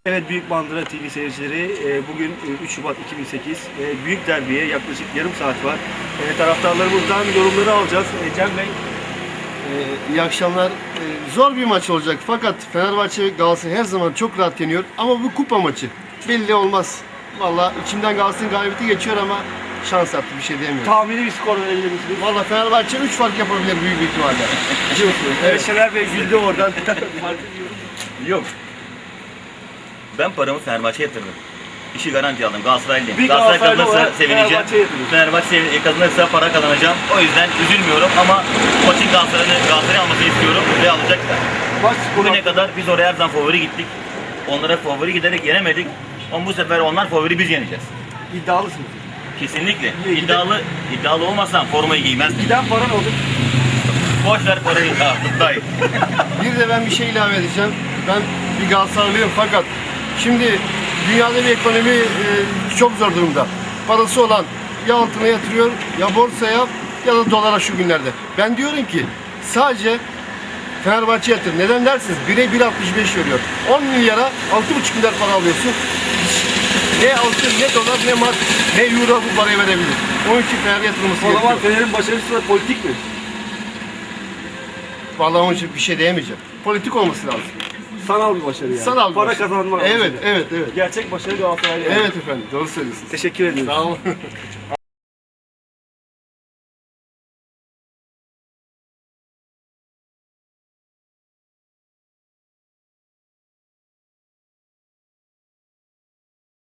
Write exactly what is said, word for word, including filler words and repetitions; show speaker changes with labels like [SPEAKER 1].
[SPEAKER 1] Evet, Büyük Mandıra T V seyircileri, bugün üç Şubat iki bin sekiz, büyük derbiye yaklaşık yarım saat var. Taraftarlarımızdan yorumları alacağız. Cem Bey.
[SPEAKER 2] İyi akşamlar. Zor bir maç olacak fakat Fenerbahçe ve Galatasaray her zaman çok rahat yeniyor. Ama bu kupa maçı belli olmaz. Vallahi içimden Galatasaray'ın galibiyeti geçiyor ama şans attı, bir şey diyemiyorum.
[SPEAKER 1] Tahmini bir skor verebilir misiniz?
[SPEAKER 2] Vallahi Fenerbahçe üç fark yapabilir büyük bir ihtimalle.
[SPEAKER 1] Evet, Şener Bey güldü oradan.
[SPEAKER 3] Yok. Ben paramı Fenerbahçe'ye yatırdım. İşi garanti aldım. Galatasaraylıyım.
[SPEAKER 1] Bir
[SPEAKER 3] Galatasaray
[SPEAKER 1] Galatasaraylı
[SPEAKER 3] kazanırsa
[SPEAKER 1] olarak
[SPEAKER 3] sevineceğim.
[SPEAKER 1] Fenerbahçe'ye yatırdım.
[SPEAKER 3] Fenerbahçe kazanırsa para kazanacağım. O yüzden üzülmüyorum ama maçın Galatasaray'ın Galatasaray almasını istiyorum ve alacaklar.
[SPEAKER 1] Maç skoru
[SPEAKER 3] Bugüne kadar biz oraya her zaman favori gittik. Onlara favori giderek yenemedik. Ama bu sefer onlar favori, biz yeneceğiz.
[SPEAKER 1] iddialısınız.
[SPEAKER 3] Kesinlikle.
[SPEAKER 1] İyi,
[SPEAKER 3] İddialı, iddialı olmasam formayı giymezdim.
[SPEAKER 1] Giden para ne olur?
[SPEAKER 3] Boş ver parayı. Ha, dayı.
[SPEAKER 2] Bir de ben bir şey ilave edeceğim. Ben bir Galatasaraylıyım fakat şimdi dünyada bir ekonomi e, çok zor durumda. Parası olan ya altına yatırıyor, ya borsaya ya da dolara şu günlerde. Ben diyorum ki sadece Fenerbahçe yatır. Neden dersiniz? bire bir altmış beş veriyor. on milyara altı buçuk milyar para alıyorsun. Ne altın, ne dolar, ne mat, ne euro bu parayı verebilir. Onun için Fener yatırılması
[SPEAKER 1] O zaman
[SPEAKER 2] gerekiyor.
[SPEAKER 1] Fener'in başarısı da politik mi?
[SPEAKER 2] Vallahi onun için bir şey diyemeyeceğim. Politik olması lazım.
[SPEAKER 1] Sanal bir başarı yani.
[SPEAKER 2] Sanal bir
[SPEAKER 1] Para
[SPEAKER 2] başarı.
[SPEAKER 1] kazanma.
[SPEAKER 2] Evet,
[SPEAKER 1] başarı.
[SPEAKER 2] evet, evet.
[SPEAKER 1] Gerçek başarı Galatasaray'da.
[SPEAKER 2] Evet efendim, doğru söylüyorsunuz.
[SPEAKER 1] Teşekkür ediyorum.
[SPEAKER 2] Sağ olun.